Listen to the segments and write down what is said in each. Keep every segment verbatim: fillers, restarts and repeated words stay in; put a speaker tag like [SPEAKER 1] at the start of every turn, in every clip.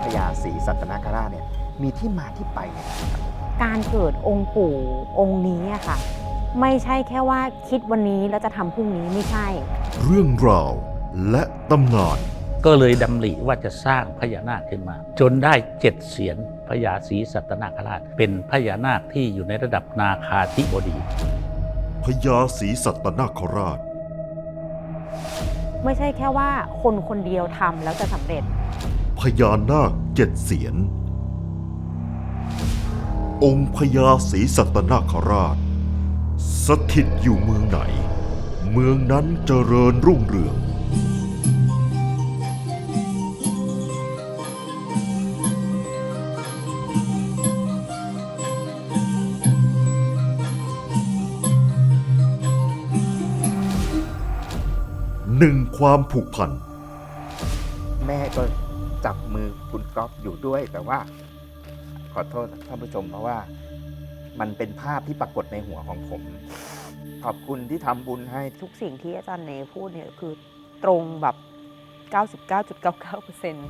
[SPEAKER 1] ญาศรีสัตนคราชเนี่ยมีที่มาที่ไปเนี่ยครับ
[SPEAKER 2] การเกิดองค์ปู่องค์นี้อะค่ะ ไม่ใช่แค่ว่าคิดวันนี้แล้วจะทำพรุ่งนี้ไม่ใช่
[SPEAKER 3] เรื่องราวและตำนาน
[SPEAKER 4] ก็เลยดำริว่าจะสร้างพญานาคขึ้นมา จนได้เจ็ดเสียนพญาศรีสัตนคราช เป็นพญานาคที่อยู่ในระดับนาคาธิบดี
[SPEAKER 3] พญาศรีสัตนคราช
[SPEAKER 2] ไม่ใช่แค่ว่าคนคนเดียวทำแล้วจะสำเร็จ
[SPEAKER 3] พญานาคเจ็ดเสียน องค์พญาศรีสัตนคราช สถิตอยู่เมืองไหน เมืองนั้นเจริญรุ่งเรือง หนึ่งความผูกพัน
[SPEAKER 1] แม่ก็จับมือคุณก๊อฟอยู่ด้วย แต่ว่าขอโทษท่านผู้ชมเพราะว่ามันเป็นภาพที่ปรากฏในหัวของผม ขอบคุณที่ทำบุญให้
[SPEAKER 2] ทุกสิ่งที่อาจารย์เนพูดเนี่ยคือตรงแบบ เก้าสิบเก้าจุดเก้าเก้าเปอร์เซ็นต์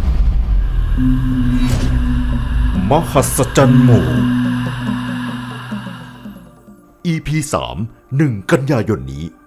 [SPEAKER 3] มหัศจรรย์หมู่ อี พี สาม หนึ่ง กันยายนนี้